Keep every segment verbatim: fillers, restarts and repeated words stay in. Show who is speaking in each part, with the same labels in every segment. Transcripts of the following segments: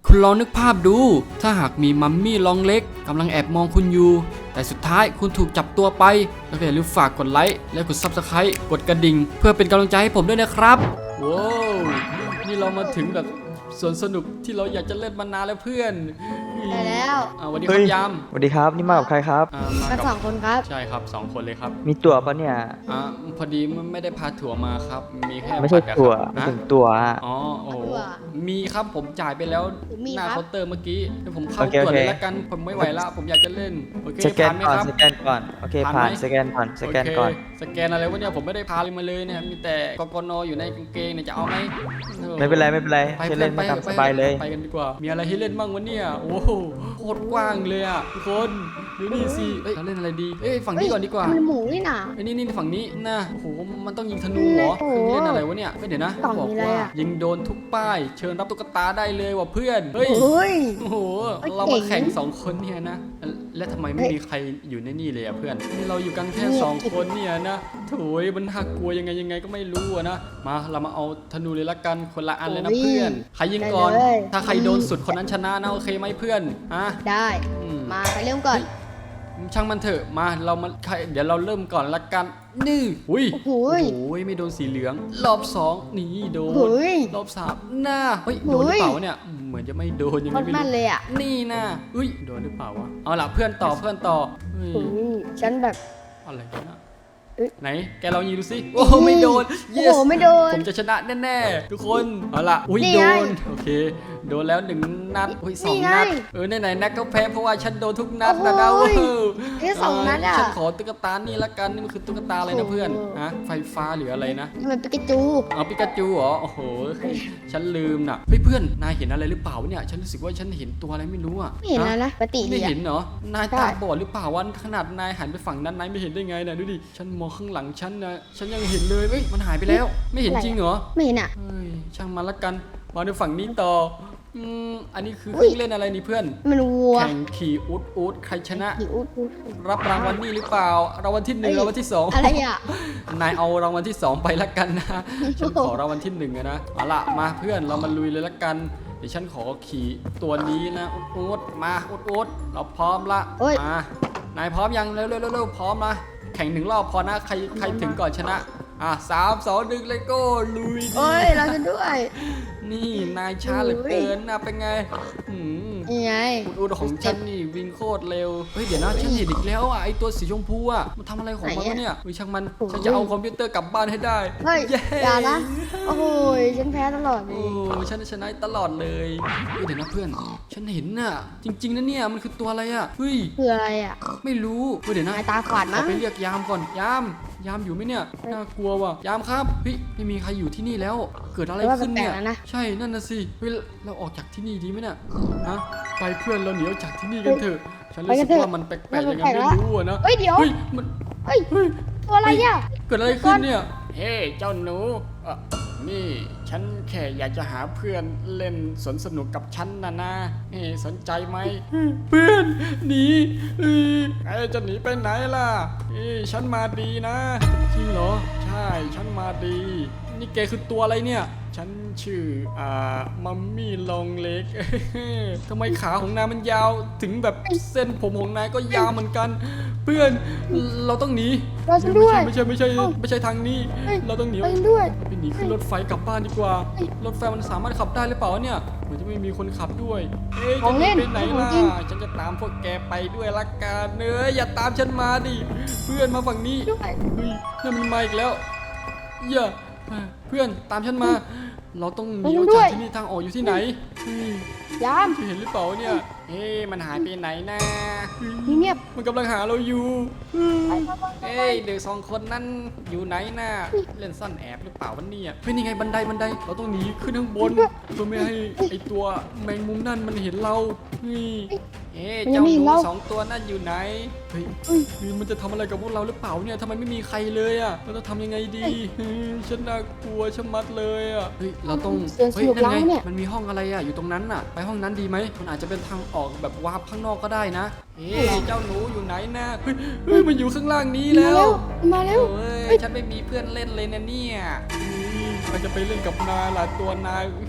Speaker 1: คุณลองนึกภาพดูถ้าหากมีมัมมี่ลองเล็กกำลังแอบมองคุณอยู่แต่สุดท้ายคุณถูกจับตัวไปแล้วก็อย่าลืมฝากกดไลค์และกด ซับสไครบ์ กดกระดิ่งเพื่อเป็นกำลังใจให้ผมด้วยนะครับว้าวนี่เรามาถึงแบบสวนสนุกที่เราอยากจะเล่นมานานแล้วเพื่อน
Speaker 2: ได้แล้ว
Speaker 1: อ่าวันนี้ครับยาม
Speaker 3: สวัสดีครับนี่มากับใครครับ
Speaker 1: อ่ามา
Speaker 2: กัน
Speaker 1: กับ
Speaker 2: สองคนครับ
Speaker 1: ใช่ครับสองคนเลยครับ
Speaker 3: มีตั๋วปะเนี่ย
Speaker 1: อ่าพอดีไม่ได้พาถั่วมาครับมีแค่
Speaker 3: ไม่ใช่
Speaker 1: บัตรอะ
Speaker 3: ตั๋ว
Speaker 1: ครับ
Speaker 3: ไม่
Speaker 1: ฮะ
Speaker 3: ถึงตั๋วอะ
Speaker 1: อ๋อโอ้โห
Speaker 2: ตั๋ว
Speaker 1: มีครับผมจ่ายไปแล้ว
Speaker 2: มี
Speaker 1: หน้า
Speaker 2: ครับ
Speaker 1: เคาน์เตอร์เมื่อกี้เดี๋ยวผมเข้า
Speaker 3: โอเค
Speaker 1: ตรวจ
Speaker 3: โอเค
Speaker 1: เลยละกันผมไม่ไหวละผมอยากจะเล่นโอเค
Speaker 3: สแกน
Speaker 1: ผ่านไหม
Speaker 3: ก่อน
Speaker 1: ครับ
Speaker 3: สแกนก่อนโอเค
Speaker 1: ผ่า
Speaker 3: ผ่าน น
Speaker 1: ไหม
Speaker 3: สแกนก่อนสแกนก่อน
Speaker 1: โเคสแกนอะไรวะเนี่ยผมไม่ได้พาเลยมาเลยเนี่ยมีแต่กกนอยู่ในกางเกงเนี่ยจะเอาไหมออ
Speaker 3: ไม่เป็นไรไม่เป็นไร
Speaker 1: ไป
Speaker 3: ใช้
Speaker 1: เล่
Speaker 3: เล่
Speaker 1: น
Speaker 3: น
Speaker 1: ไป
Speaker 3: มาตามสบายเลย
Speaker 1: ไปกันดีกว่า มีอะไรให้เล่นบ้างวะเนี่ยโอ้โหโคตรกว้างเลยอ่ะทุกคนดูนี่สิเอ้ยเราเล่นอะไรดีเอ้ยฝั่งนี้ก่อนดีกว่า
Speaker 2: มันหมูนี่น่ะ
Speaker 1: ไอ้นี่นี่ฝั่งนี้นะโอ้โหมันต้องยิงธนูเหรอ
Speaker 2: โอ้
Speaker 1: เค
Speaker 2: โห
Speaker 1: รื่องเล่นอะไรวะเนี่ยเฮ้ยเดี๋ยวนะ
Speaker 2: กล่อง
Speaker 1: บอก
Speaker 2: มีอะไร
Speaker 1: ว่า
Speaker 2: อะ
Speaker 1: ยิงโดนทุกป้ายเชิญรับตุ๊กตาได้เลยว่ะเพื่อนเฮ้ย
Speaker 2: เฮ้ย
Speaker 1: โอ้โห
Speaker 2: เอ้ย
Speaker 1: เรามา
Speaker 2: เก่
Speaker 1: แข่ง
Speaker 2: ง
Speaker 1: สองคนเนี่ยนะ และทำไมไม่
Speaker 2: เฮ้ย
Speaker 1: มีใครอยู่ในนี่เลยอะเพื่อนนี่เราอยู่กันแค่
Speaker 2: นี่
Speaker 1: สองคนเนี่ยนะโถยมันน่ากลัวยังไงยังไงก็ไม่รู้อะนะ มาเรามาเอาธนูเลยละกันคนละอันเลยนะ
Speaker 2: โอ้ย
Speaker 1: เพื่อน ใครยิงก่อน
Speaker 2: ได้เลย
Speaker 1: ถ้าใครโดนสุดคนนั้นชนะนะโอเคไหมเพื่อนฮะ
Speaker 2: ได้
Speaker 1: อืม
Speaker 2: มาไปเริ่มก่อน
Speaker 1: ช่างมันเถอะมาเรามาใครเดี๋ยวเราเริ่มก่อนละกันนี่อุ้ย
Speaker 2: โอ้โห
Speaker 1: โอ้ยไม่โดนสีเหลือง รอบสองนี่โดน
Speaker 2: เฮ้ย
Speaker 1: รอบสามหน้าเฮ้ยโดนหรือเปล่าวะเนี่ยเหมือนจะไม่โดนยัง
Speaker 2: โค
Speaker 1: ไง
Speaker 2: ตร
Speaker 1: ไม่
Speaker 2: มัน
Speaker 1: รู้
Speaker 2: เลยอ่ะ
Speaker 1: นี่นะอุ้ยโดนหรือเปล่าวะเอาล่ะเพื่อนต่อเพื่อนต่อเฮ้ย
Speaker 2: โอ้ยฉันแบบ
Speaker 1: อะไรกันนะ
Speaker 2: เอ้ย
Speaker 1: ไหนแกลองยิงดูสิโอ้โหไม่โดน
Speaker 2: โอ้
Speaker 1: yes
Speaker 2: โหไม่โดน
Speaker 1: ผมจะชนะแน่ๆทุกคนเอาล่ะอุ้ย
Speaker 2: นี่
Speaker 1: โด
Speaker 2: ไง
Speaker 1: นโอเคโดนแล้วหนึ่งนัดอุ้ยสอง
Speaker 2: นี่ไง
Speaker 1: นัดเออไหนๆนัดก็แพ้เพราะว่าฉันโดนทุกนัดนะนะ
Speaker 2: โอ้
Speaker 1: เว้
Speaker 2: ย
Speaker 1: ย
Speaker 2: แค่สองนัดอะ
Speaker 1: ฉันขอตุ๊กตานี่ละกันนี่มันคือตุ๊กตาอะไรนะเพื่อน
Speaker 2: โอ้โห
Speaker 1: ฮะไฟฟ้าหรืออะไรนะ
Speaker 2: นี่มันปิกาจู
Speaker 1: เอาปิกาจูเหรอโอ้โหฉันลืมน่ะเฮ้ยเพื่อนนายเห็นอะไรหรือเปล่าวะเนี่ยฉันรู้สึกว่าฉันเห็นตัวอะไรไม่รู้อ่ะ
Speaker 2: ไม่เห็นแล้วนะปกติ
Speaker 1: ไม่
Speaker 2: ดีอะ
Speaker 1: เห็นเหรอนาย
Speaker 2: ใช่
Speaker 1: ตาบอดหรือเปล่าวันขนาดนายหันไปฝั่งนั้นนายไม่เห็นได้ไงนะดูดิฉันมองข้างหลังฉันนะฉันยังเห็นเลยเอ้ยมันหายไปแล้ว ไม่เห็นจริงเหรอ
Speaker 2: ไม่เห็นอ่ะ
Speaker 1: เฮ้ยช่างมันละกันมาดูฝั่งนี้ต่ออืมอันนี้คือเค
Speaker 2: อุ๊ย
Speaker 1: รื่องเล่นอะไรนี่เพื่อน
Speaker 2: มันวัว
Speaker 1: แข่งขี่อูดอูดใครชนะ
Speaker 2: หิวอุ๊ดอุ๊ด
Speaker 1: รับรางวัลนี่หรือเปล่ารางวัลที่หนึ่ง
Speaker 2: เอ้ย
Speaker 1: รางวัลที่สอง
Speaker 2: อะไรอ่ะ
Speaker 1: นายเอารางวัลที่สองไปละกันนะ ฉันขอรางวัลที่หนึ่งอะนะเอาล่ะมาเพื่อนเรามาลุยเลยละกัน เดี๋ยวฉันขอขี่ตัวนี้นะอุดอุดมาอุดอุดเราพร้อมละ
Speaker 2: เอ้ย
Speaker 1: มานายพร้อมยังเร็วเร็วเร็วเร็วพร้อมนะแข่งหนึ่งรอบพอนะใครใครถึงก่อนชนะอ่ะสามสองหนึ่งเลยโก้ลุยดิ
Speaker 2: เอ้ยเราจะด้วย
Speaker 1: นี่นายช้าเหลือเกินนะเป็นไงอืม
Speaker 2: นี่ไง
Speaker 1: อุดอุดของฉันนี่วิ่งโคตรเร็วเฮ้ยเดี๋ยวนะฉันเห็นอีกแล้วอ่ะไอตัวสีชมพูอ่ะมันทำอะไรของมันวะเนี่ยเฮ้ยช่างมันฉันจะเอาคอมพิวเตอร์กลับบ้านให้ได้
Speaker 2: เฮ้ย
Speaker 1: เย้
Speaker 2: อย่านะ โอ้โหฉันแพ้ตลอดเล
Speaker 1: โอ้
Speaker 2: ย
Speaker 1: ฉันชนะตลอดเลยเฮ้ยเดี๋ยวนะเพื่อน ฉันเห็นน่ะ จริง ๆนะเนี่ยมันคือตัวอะไรอ่ะเฮ้ย
Speaker 2: คืออะไรอ่ะ
Speaker 1: ไม่รู้เฮ้ยเดี๋ยวนะ
Speaker 2: นายตาขวาด
Speaker 1: เอา
Speaker 2: มั้ง
Speaker 1: ไปเรียกยามก่อนยามยามอยู่ไหมเนี่ยน่ากลัวว่ะยามครับเฮ้ยไม่มีใครอยู่ที่นี่แล้ว เกิดอะไร
Speaker 2: แต่ว่า
Speaker 1: ขึ้น
Speaker 2: แปล
Speaker 1: เนี่
Speaker 2: ก
Speaker 1: ย
Speaker 2: ๆแล้วนะ
Speaker 1: ใช่นั่นน่ะสิเฮ้ยเราออกจากที่นี่ดีไหมเนี่ยฮะไปเพื่อนเราหนีออกจากที่นี่กันเถอะฉันรู้สึกว่ามันแปลกๆยังไงไม่รู้อะนะ
Speaker 2: เฮ้ยเดี๋ยว
Speaker 1: เฮ้ยมัน
Speaker 2: เฮ้ย
Speaker 1: เฮ้ย
Speaker 2: ตัวอะไรอ่ะ
Speaker 1: เกิดอะไรขึ้นเนี่ย เฮ้ เจ้าหนูเอ่อนี่ ฉันแค่อยากจะหาเพื่อนเล่นสวนสนุกกับฉันนะนะเฮ้สนใจไหม เพื่อนหนีเอ้ยไอ้จะหนีไปไหนล่ะเอ้ยฉันมาดีนะ จริงเหรอ ใช่ ฉันมาดี นี่แกคือตัวอะไรเนี่ย ฉันชื่อ อ่า มัมมี่ลองเล็ก ทำไมขาของนายมันยาว ถึงแบบเส้นผมของนายก็ยาวเหมือนกัน เพื่อน เราต้องหนี
Speaker 2: เราฉันด้วย
Speaker 1: ไม่ใช่ไม่ใช่ไม่ใช่ไม่ใช่ทางนี้
Speaker 2: เฮ้ย
Speaker 1: เราต้องหนี
Speaker 2: เราฉันด้วย
Speaker 1: ไปหนีขึ้นรถไฟกลับบ้านดีกว่า รถไฟมันสามารถขับได้หรือเปล่าเนี่ยเหมือนจะไม่มีคนขับด้วยเอ้ย
Speaker 2: ขอ
Speaker 1: จะ
Speaker 2: ง
Speaker 1: ห
Speaker 2: เล่
Speaker 1: นี
Speaker 2: น
Speaker 1: ไปไหน
Speaker 2: ของ
Speaker 1: ล่ะ
Speaker 2: จริง
Speaker 1: ฉันจะตามพวกแกไปด้วยละกันเนยอย่าตามฉันมาดิ เพื่อนมาฝั่งนี้
Speaker 2: ด้วย
Speaker 1: เฮ้ยนั่นมันมาอีกแล้วอย่าเพื่อนตามฉันมา เราต้องหนีออกจากที่นี่ทางออกอยู่ที่ไหนเฮ้ย
Speaker 2: ยาม
Speaker 1: เห็นหรือเปล่าเนี่ยเฮ้ยมันหายไปไหนนะเฮ้ย
Speaker 2: เงียบ
Speaker 1: มันกำลังหาเราอยู่
Speaker 2: ไปไปไปไป
Speaker 1: เอ้ยเด็กสองคนนั้นอยู่ไหนน่ะเล่นซ่อนแอบหรือเปล่าวะเนี่ยเฮ้ยนี่ไงบันไดบันไดเราต้องหนีขึ้นข้างบนเพื่อไม่ให้ไอตัวแมงมุมนั่นมันเห็นเราเฮ้ยเอ๊ะเจ้าหนูสองตัวนั่นอยู่ไหนเฮ้ยเฮ้ยมันจะทำอะไรกับพวกเราหรือเปล่าเนี่ยทำไมไม่มีใครเลยอ่ะเราต้องทำยังไงดีเฮ้ยฉันน่ากลัวชะมัดเลยอ่ะเฮ้ยเราต้อง
Speaker 2: เสียงส
Speaker 1: เฮ้ย
Speaker 2: นุก
Speaker 1: นั่น
Speaker 2: แล้ว
Speaker 1: ไง
Speaker 2: เนี่ย
Speaker 1: มันมีห้องอะไรอ่ะอยู่ตรงนั้นน่ะไปห้องนั้นดีไหมมันอาจจะเป็นทางออกแบบวาร์ปข้างนอกก็ได้นะเอ๊ะเจ้าหนูอยู่ไหนนะเฮ้ยเฮ้ยมันอยู่ข้างล่างนี้
Speaker 2: มา
Speaker 1: แล้ว
Speaker 2: เร็วมาเร็ว
Speaker 1: โอ้ยฉันไม่มีเพื่อนเล่นเลยนะเนี่ยใครจะไปเล่นกับนายล่ะตัวนาย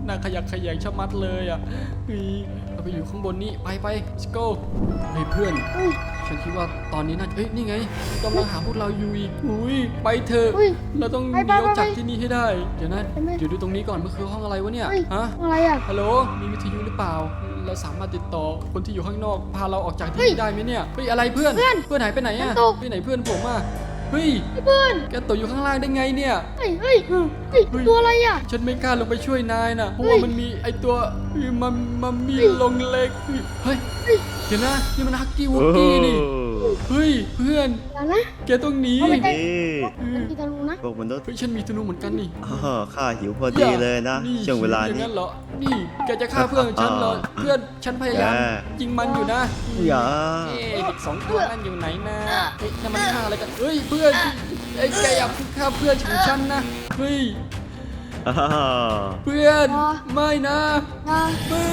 Speaker 1: น่าขยักขยงชะมัดเลยอ่ะเฮ้ยเราไปอยู่ข้างบนนี้ไปไป let's go เฮ้ยเพื่อน
Speaker 2: เฮ้ย
Speaker 1: ฉันคิดว่าตอนนี้น่าเอ้ยนี่ไงกำลังหาพวกเราอยู่อีกอุ้ยไปเถอะ
Speaker 2: เฮ้ย
Speaker 1: เราต้องห
Speaker 2: ไป
Speaker 1: นี
Speaker 2: ไป
Speaker 1: ออกจาก
Speaker 2: ไป
Speaker 1: ที่นี่ให้ได้เดี๋ยวนะ
Speaker 2: ไปไหม
Speaker 1: เดี๋ยวดูตรงนี้ก่อนมันคือห้องอะไรวะเนี่ย
Speaker 2: เฮ้ย
Speaker 1: ฮะ
Speaker 2: อะไรอ่ะ
Speaker 1: ฮัลโหลมีวิทยุหรือเปล่า เราสามารถติดต่อคนที่อยู่ข้างนอกพาเราออกจากที่
Speaker 2: เฮ้ย
Speaker 1: นี่ได้ไหมเนี่ยเฮ้ยอะไรเพื่อน
Speaker 2: เพื่อน
Speaker 1: เพื่อนหายไปไหนอะ
Speaker 2: ฉันตก
Speaker 1: ไปไหนเพื่อนผมอะเฮ้ย
Speaker 2: ไอ้เพื่อน
Speaker 1: แกตกอยู่ข้างล่างได้ไงเนี่ย
Speaker 2: เฮ้ยเฮ้ยเฮ้ยตัวอะไรอ่ะ
Speaker 1: ฉันไม่กล้าลงไปช่วยนายนะเพราะ
Speaker 2: เฮ้
Speaker 1: ว่าย มันมีไอตัวเฮ้ยมันมันมี
Speaker 2: เฮ้ย
Speaker 1: ลงเล็กเฮ้ย
Speaker 2: เฮ้ย
Speaker 1: เดี๋ยวนะนี่มันฮักกี้วุกกี้นี่เฮ้ยเพื่อน
Speaker 2: อย่านะ
Speaker 1: แกต้องหนี
Speaker 2: เอาไปใกล้
Speaker 4: นี่
Speaker 2: มันกีตารูนะ
Speaker 4: พวกมนุษย์
Speaker 1: เฮ้ยฉันมีธนูเหมือนกันนี่
Speaker 4: อ้อข้าหิวพอดีเลยนะ
Speaker 1: นี่
Speaker 4: ช่วงเวลา
Speaker 1: อย่าง
Speaker 4: นี้
Speaker 1: นั้นเหรอนี่แกจะฆ่าเพื่อนของฉันเหรอเพื่อนฉันพยายาม
Speaker 4: แย่
Speaker 1: ยิงมันอยู่นะ
Speaker 4: อย่า
Speaker 1: เอ๊ะเด็กสองตัวนั่นอยู่ไหนนะเฮ้ยนั่นมันฆ่าอะไรกันเฮ้ยเพื่อนไอ้ยแกอย่าฆ่าเพื่อนของฉันนะเฮ้ย
Speaker 4: อ้าว
Speaker 1: เพื่อนไม่นะ
Speaker 2: มา
Speaker 1: เพื่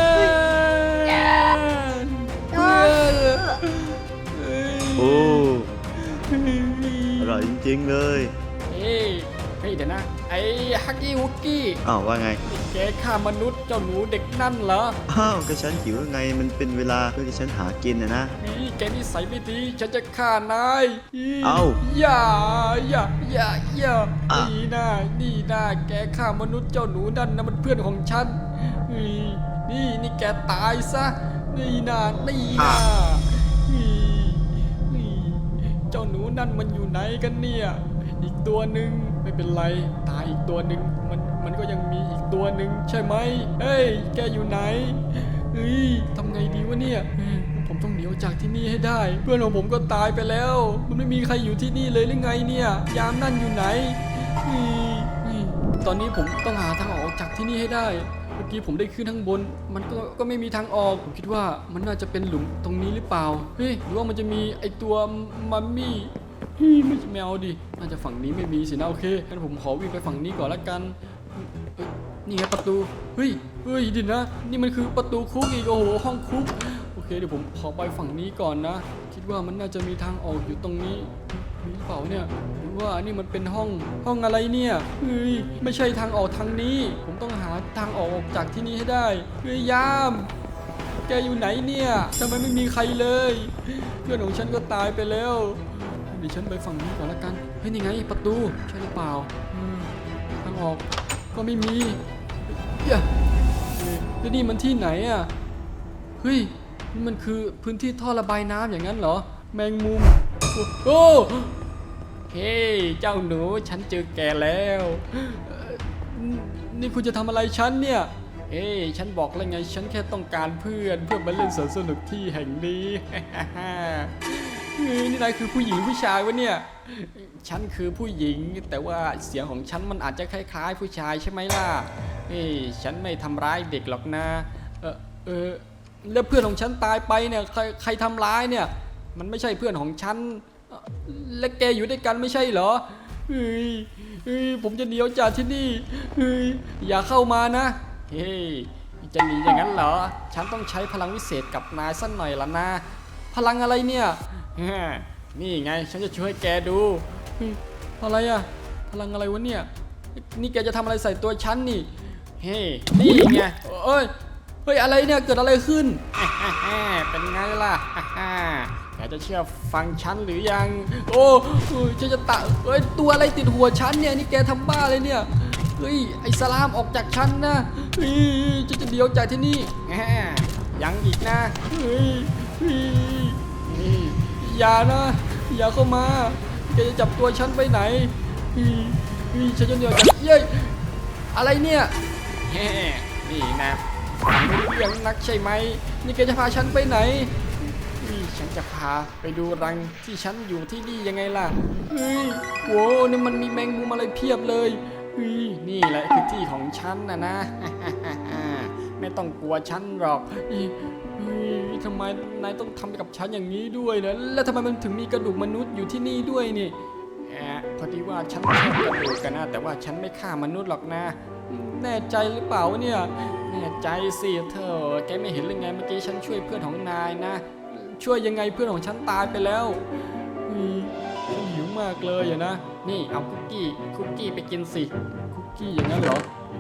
Speaker 1: อนเพื่อนเฮ้ย
Speaker 4: โอ้อร่อยจริงๆเลย
Speaker 1: เฮ้ยเฮ้ยเดี๋ยวนะไอ้ฮักกี้ฮุกกี้
Speaker 4: อ้าวว่าไง
Speaker 1: นี่แกฆ่ามนุษย์เจ้าหนูเด็กนั่นเหรอ
Speaker 4: อ้าวก็ฉันหิวไงมันเป็นเวลาเพื่อที่ฉันหากินนะนะ
Speaker 1: นี่แกนิสัยไม่ดีฉันจะฆ่านายอี
Speaker 4: เอ้า
Speaker 1: อย่าอย่าอย่าอย่า
Speaker 4: อ่ะ
Speaker 1: นี่นะนี่นะแกฆ่ามนุษย์เจ้าหนูนั่นนะมันเพื่อนของฉันนี่นี่นี่แกตายซะนี่นะนี่นะนี่นี่เจ้าหนูนั่นมันอยู่ไหนกันเนี่ยอีกตัวหนึ่งไม่เป็นไรตายอีกตัวหนึ่งมันมันก็ยังมีอีกตัวหนึ่งใช่ไหมเฮ้ยแกอยู่ไหนเฮ้ยทำไงดีวะเนี่ยเฮ้ยผมต้องหนีออกจากที่นี่ให้ได้ เพื่อนของผมก็ตายไปแล้ว มันไม่มีใครอยู่ที่นี่เลยหรือไงเนี่ยยามนั่นอยู่ไหนเฮ้ยเฮ้ยตอนนี้ผมต้องหาทางออกจากที่นี่ให้ได้ เมื่อกี้ผมได้ขึ้นข้างบน มันก็ก็ไม่มีทางออก ผมคิดว่ามันน่าจะเป็นหลุมตรงนี้หรือเปล่า เฮ้ย หรือว่ามันจะมีไอตัวมัมมี่เฮ้ยไม่แมวดิ น่าจะฝั่งนี้ไม่มีสินะโอเค งั้นผมขอวิ่งไปฝั่งนี้ก่อนละกันเอ้ยนี่ไงประตู เฮ้ย เฮ้ยดินะ นี่มันคือประตูคุกอีก โอ้โห ห้องคุก โอเค เดี๋ยวผมขอไปฝั่งนี้ก่อนนะ คิดว่ามันน่าจะมีทางออกอยู่ตรงนี้ มีหรือเปล่าเนี่ยหรือว่านี่มันเป็นห้องห้องอะไรเนี่ยเฮ้ยไม่ใช่ทางออกทางนี้ ผมต้องหาทางออกจากที่นี่ให้ได้เฮ้ยยาม แกอยู่ไหนเนี่ยทำไมไม่มีใครเลย เพื่อนของฉันก็ตายไปแล้วเดี๋ยวฉันไปฝั่งนี้ก่อนละกันเฮ้ยนี่ไงประตูใช่หรือเปล่าอืมทางออกก็ไม่มีเฮ้ยเฮ้ยแล้วนี่มันที่ไหนอ่ะเฮ้ยนี่มันคือพื้นที่ท่อระบายน้ำอย่างนั้นเหรอแมงมุม โอ้เฮ้ยเจ้าหนูฉันเจอแกแล้วเอ่อนี่คุณจะทำอะไรฉันเนี่ยเอ้ยฉันบอกแล้วไงฉันแค่ต้องการเพื่อนเพื่อมาเล่นสวนสนุกที่แห่งนี้ เฮ้ยนี่นายคือผู้หญิงผู้ชายวะเนี่ยฉันคือผู้หญิงแต่ว่าเสียงของฉันมันอาจจะคล้ายๆ ผู้ชายใช่ไหมล่ะเฮ้ยฉันไม่ทำร้ายเด็กหรอกนะเออเออแล้วเพื่อนของฉันตายไปเนี่ยใครใครทำร้ายเนี่ยมันไม่ใช่เพื่อนของฉัน และแกอยู่ด้วยกันไม่ใช่เหรอเฮ้ยเฮ้ยผมจะหนีออกจากที่นี่เฮ้ยอย่าเข้ามานะ เฮ้ยจะหนีอย่างนั้นเหรอ ฉันต้องใช้พลังวิเศษกับนายสักหน่อยละนะ พลังอะไรเนี่ยฮะนี่ไงฉันจะช่วยแกดูเฮ้ยอะไรอะพลังอะไรวะเนี่ย นี่แกจะทำอะไรใส่ตัวฉันนี่ เฮ้ยนี่ไงเอ้ย เฮ้ยอะไรเนี่ยเกิดอะไรขึ้น เป็นไงล่ะ แกจะเชื่อฟังฉันหรือยัง โอ้เฮ้ยฉันจะตะเฮ้ยตัวอะไรติดหัวฉันเนี่ยนี่แกทำบ้าเลยเนี่ยเฮ้ยไอ้สลามออกจากฉันนะเฮ้ยฉันจะเดียวจากที่นี่แหมยังอีกนะเฮ้ยเฮ้ยเฮ้ยอย่านะอย่าเข้ามาแกจะจับตัวฉันไปไหนเฮ้ยเฮ้ยฉันจะเดียวจากเย้ยอะไรเนี่ยแหมนี่นะไม่รู้เรื่องนักใช่ไหมนี่แกจะพาฉันไปไหนนี่ฉันจะพาไปดูรังที่ฉันอยู่ที่นี่ยังไงล่ะเฮ้ยโว้นี่มันมีแมงมุมอะไรเพียบเลยเฮ้ยนี่แหละคือที่ของฉันนะนะ ไม่ต้องกลัวฉันหรอกเฮ้ยเฮ้ยทำไมนายต้องทำกับฉันอย่างนี้ด้วยนะแล้วทำไมมันถึงมีกระดูกมนุษย์อยู่ที่นี่ด้วยนี่แอบพอดีว่าฉันชอบกระดูกกันนะแต่ว่าฉันไม่ฆ่ามนุษย์หรอกนะแน่ใจหรือเปล่าวะเนี่ยแน่ใจสิเธอแกไม่เห็นหรือไงเมื่อกี้ฉันช่วยเพื่อนของนายนะช่วยยังไงเพื่อนของฉันตายไปแล้วอืมฉันหิวมากเลยอะนะนี่เอาคุกกี้คุกกี้ไปกินสิคุกกี้อย่างนั้นเหรอ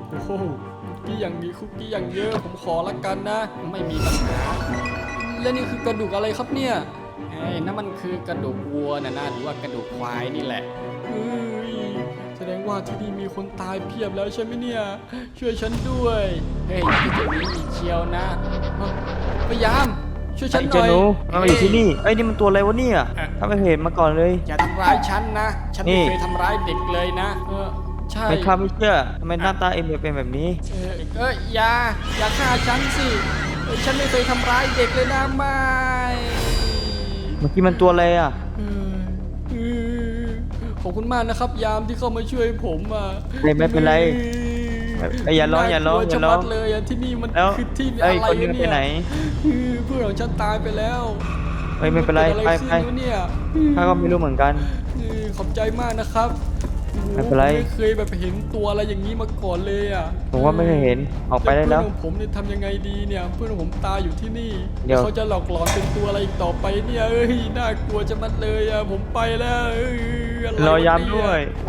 Speaker 1: โอ้โหคุกกี้อย่างนี้คุกกี้อย่างเยอะผมขอละกันนะ ไม่มีปัญหาและนี่คือกระดูกอะไรครับเนี่ยเอ้ยนั่นมันคือกระดูกวัวนะนะหรือว่ากระดูกควายนี่แหละเฮ้ยแสดงว่าที่นี่มีคนตายเพียบแล้วใช่ไหมเนี่ยช่วยฉันด้วยเฮ้ยที่ตรงนี้มีเชียวนะพยายามช่วยฉันห
Speaker 3: เจ้า
Speaker 1: น่อย
Speaker 3: หนูมันมาอยู่ที่นี่เอ้ยนี่มันตัวอะไรวะเนี่ย
Speaker 1: เอ๊ะ
Speaker 3: ถ้าไม่เห็นมาก่อนเลย
Speaker 1: อย่าทำร้ายฉันนะ ฉัน
Speaker 3: นี่
Speaker 1: ไม่เคยทำร้ายเด็กเลยนะ เออใช่
Speaker 3: ไม่ข้าไม่เชื่อทำไมหน้าตาเอ็มเป็นแบบนี้
Speaker 1: เออเอยอย่า อย่าฆ่าฉันสิเออฉันไม่เคยทำร้ายเด็กเลยนะไม่
Speaker 3: เมื่อกี้มันตัวอะไรอ่ะ
Speaker 1: เออเออขอบคุณมากนะครับยามที่เข้ามาช่วยผมอ่ะ
Speaker 3: ไม่ไม่เป็นไร
Speaker 1: เออ
Speaker 3: เอ้ยอย่าร้องอย่าร้อง
Speaker 1: น่กลัว
Speaker 3: อย่าร้อง
Speaker 1: ชะมัดเลยอะที่นี่มัน
Speaker 3: แล้ว
Speaker 1: คือที่อะ
Speaker 3: เอ้ย
Speaker 1: ไร
Speaker 3: คนนี้
Speaker 1: วะ
Speaker 3: ไป
Speaker 1: เนี่ย
Speaker 3: ไหน
Speaker 1: เออเพื่อนของฉันตายไปแล้ว
Speaker 3: เอ้ยไม่เป็นไร
Speaker 1: กิดอะ
Speaker 3: ไป
Speaker 1: ขึ้น
Speaker 3: ไป
Speaker 1: วะเนี่ย
Speaker 3: ข้าก็ไม่รู้เหมือนกัน
Speaker 1: เออขอบใจมากนะครับโอ้โห
Speaker 3: ไม่เป็นไร
Speaker 1: ผมไม่เคยแบบเห็นตัวอะไรอย่างนี้มาก่อนเลยอ่ะ
Speaker 3: ผมว่าไม่เคยเห็นออกไปได้แล้ว
Speaker 1: เพื่อนของผมเนี่ยทำยังไงดีเนี่ยเพื่อนของผมตายอยู่ที่นี่
Speaker 3: เดี๋ยว
Speaker 1: เขาจะหลอกหลอนเป็นตัวอะไรอีกต่อไปเนี่ยเอ้ยน่ากลัวจะมัดเลยอ่ะผมไปแล้วเอ้ยอะไร
Speaker 3: รอ
Speaker 1: วะ
Speaker 3: ยาม
Speaker 1: เนี่
Speaker 3: ด้วย
Speaker 1: โอ้